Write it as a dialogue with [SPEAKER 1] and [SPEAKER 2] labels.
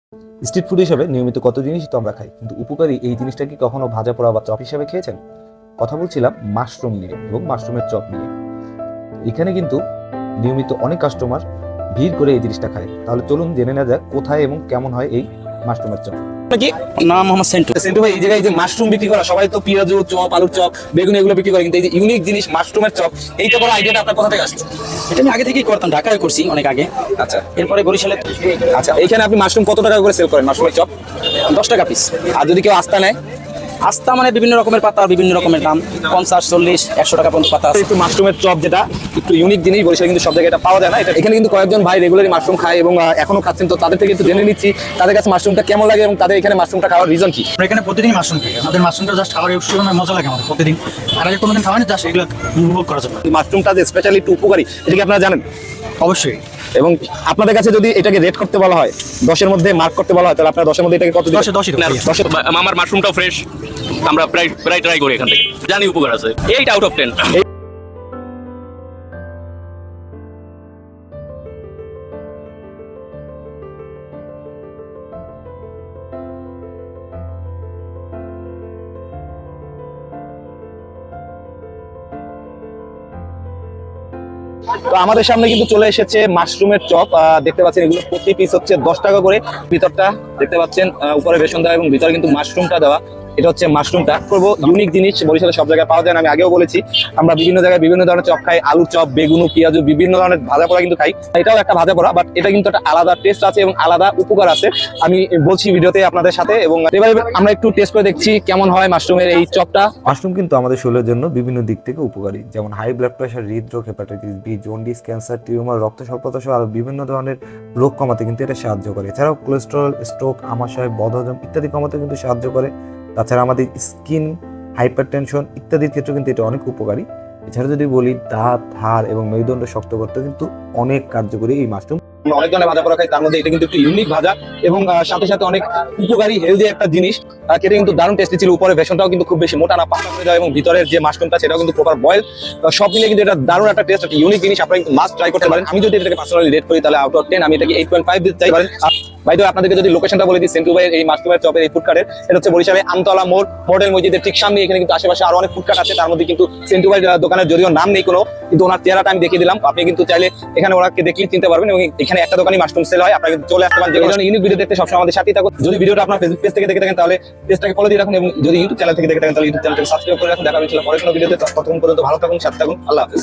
[SPEAKER 1] Street food হিসেবে নিয়মিত কত জিনিসই তো আমরা খাই, কিন্তু উপকারী এই জিনিসটা কি কখনো ভাজা পোড়া বা চপ হিসেবে খেয়েছেন? কথা বলছিলাম মাশরুম নিয়ে এবং মাশরুমের চপ নিয়ে। এখানে কিন্তু নিয়মিত অনেক কাস্টমার ভিড় করে এই জিনিসটা খায়। তাহলে চলুন জেনে নেওয়া যাক কোথায় এবং কেমন হয় এই মাশরুমের চপ।
[SPEAKER 2] কি নাম মোহাম্মদ সেন্টু।
[SPEAKER 3] সেন্টু ভাই, এই জায়গায় যে মাশরুম বিক্রি করা, সবাই তো পেঁয়াজু চপ, আলুর চপ, বেগুন এগুলো বিক্রি করে, কিন্তু এই যে ইউনিক জিনিস মাশরুমের চপ, এইটা করার আইডিয়াটা আপনার কোথা থেকে আসছে?
[SPEAKER 2] এটা আমি আগে থেকেই করতাম, ঢাকায় করছি অনেক আগে।
[SPEAKER 3] আচ্ছা
[SPEAKER 2] এরপরে বরিশালে।
[SPEAKER 3] আচ্ছা, এইখানে আপনি মাশরুম কত টাকা করে সেল করেন মাশরুমের চপ?
[SPEAKER 2] 10 টাকা পিস।
[SPEAKER 3] আর যদি কেউ আস্থা নেয়?
[SPEAKER 2] আস্তা মানে বিভিন্ন রকমের পাতা, বিভিন্ন রকমের দাম, 50, 40, 100 টাকা পর্যন্ত পাতা আছে।
[SPEAKER 3] একটু মাশরুমের চপ যেটা একটু ইউনিক জিনিস, বরিশালে কিন্তু সব জায়গায় এটা পাওয়া যায় না। এটা এখানে কিন্তু কয়েকজন ভাই রেগুলারই মাশরুম খায় এবং এখনো খাচ্ছেন, তো তাদের থেকে একটু জেনে নিচ্ছি তাদের কাছে মাশরুমটা কেমন লাগে এবং তাদের এখানে মাশরুমটা খাওয়ার রিজন কি।
[SPEAKER 4] আমরা এখানে প্রতিদিন মাশরুম খাই। আমাদের মাশরুমটা জাস্ট খাবার উৎসবের মজা লাগে আমাদের প্রতিদিন। আর আগে কোনোদিন খাওয়া না, জাস্ট এগুলো উপভোগ করার জন্য।
[SPEAKER 3] মাশরুমটা যে স্পেশালি একটু উপকারী, এটা কি আপনারা জানেন?
[SPEAKER 4] অবশ্যই।
[SPEAKER 3] এবং আপনাদের কাছে যদি এটাকে রেট করতে বলা হয়, 10-এর মধ্যে মার্ক করতে বলা হয়, তাহলে আপনারা 10-এর মধ্যে এটাকে কত দিবেন?
[SPEAKER 4] 10-এ 10-ই।
[SPEAKER 3] 10-এ
[SPEAKER 5] আমার মাশরুমটাও ফ্রেশ, আমরা প্রায় ট্রাই করি এখান থেকে, জানি উপকার আছে। 8 আউট অফ 10।
[SPEAKER 3] তো আমাদের সামনে কিন্তু চলে এসেছে মাশরুমের চপ। দেখতে পাচ্ছেন এগুলো প্রতি পিস হচ্ছে 10 টাকা করে। ভিতরটা দেখতে পাচ্ছেন, উপরে বেসন দেওয়া এবং ভিতরে কিন্তু মাশরুমটা দেওয়া। এটা হচ্ছে মাশরুমটা করবো ইউনিক জিনিস, বরিশালে সব জায়গায় পাওয়া যায় না। আমি আগেও বলেছি আমরা বিভিন্ন জায়গায় বিভিন্ন ধরনের চপ খাই, আলুর চপ, বেগুন, পেঁয়াজু, বিভিন্ন ধরনের ভাজা পোড়া কিন্তু খাই। এটাও একটা ভাজা পোড়া, বাট এটা কিন্তু একটা আলাদা টেস্ট আছে এবং আলাদা উপকার আছে, আমি বলছি ভিডিওতে আপনাদের সাথে। এবং এবারে আমরা একটু টেস্ট করে দেখছি কেমন হয় মাশরুমের এই চপটা।
[SPEAKER 1] মাশরুম কিন্তু আমাদের শরীরের জন্য বিভিন্ন দিক থেকে উপকারী, যেমন হাই ব্লাড প্রেশার, হৃদরোগ, hepatitis B, jaundice, cancer, tumour, রক্ত স্বল্পতা সহ আরো বিভিন্ন ধরনের রোগ কমাতে কিন্তু এটা সাহায্য করে। এছাড়াও কোলেস্টেরল, স্ট্রোক, আমাশয়, বদহজম ইত্যাদি কমাতে কিন্তু সাহায্য করে। তাছাড়া আমাদের স্কিন, হাইপারটেনশন ইত্যাদির ক্ষেত্রে কিন্তু এটা অনেক উপকারী। এছাড়া যদি বলি দাঁত, হাড় এবং মেরুদণ্ড শক্ত করতে কিন্তু অনেক কার্যকরী এই মাশরুম।
[SPEAKER 3] আমরা অনেক ধরনের ভাজা পোড়া খাই, তার মধ্যে এটা কিন্তু একটু ইউনিক ভাজা এবং সাথে সাথে অনেক উপকারী হেলদি একটা জিনিস। খেতে কিন্তু দারুণ টেস্টি ছিল। উপরে বেসনটাও কিন্তু খুব বেশি মোটা না, পাতলা করে দেওয়া, এবং ভিতরের যে মাশরুমটা সেটাও কিন্তু প্রপার বয়েল। সব মিলে কিন্তু এটা দারুণ একটা টেস্ট, একটা ইউনিক জিনিস। আপনারা কিন্তু মাস্ট ট্রাই করতে পারেন। আমি যদি এটাকে পার্সোনালি রেট করি তাহলে আউট অফ 10 আমি এটাকে 8.5 দিতে চাই পারেন। ভাই তো আপনাদেরকে যদি লোকেশনটা বলে দিই, সেন্টু ভাইয়ের এই মাশরুমের চপের এই ফুডকার্টের, এটা হচ্ছে বরিশালে আমতলা মোড়, মডেল মসজিদের ঠিক সামনে। এখানে কিন্তু আশেপাশে আরো অনেক ফুডকার্ট আছে, তার মধ্যে কিন্তু সেন্টু ভাইয়ের দোকানের যদিও নাম নেই কোনো, কিন্তু ওনার চেহারাটা আমি দেখিয়ে দিলাম। আপনি কিন্তু চাইলে এখানে ওনাকে দেখলে চিনতে পারবেন। এবং এখানে একটা দোকানই মাশরুম সেল হয়, আপনারা কিন্তু চলে আসতে পারেন। যে ধরনের ইউনিক ভিডিও দেখতে সবসময় আমাদের সাথেই থাকুন। যদি ভিডিওটা আপনার ফেসবুক পেজ থেকে দেখে থাকেন তাহলে পেজটাকে ফলো দিয়ে রাখুন, এবং যদি ইউটিউব চ্যানেল থেকে দেখে থাকেন তাহলে ইউটিউব চ্যানেলটাকে সাবস্ক্রাইব করে রাখুন। দেখা হচ্ছে পরের কোনো ভিডিওতে। ততক্ষণ পর্যন্ত ভালো থাকুন, সাথে থাকুন। আল্লাহ হাফেজ।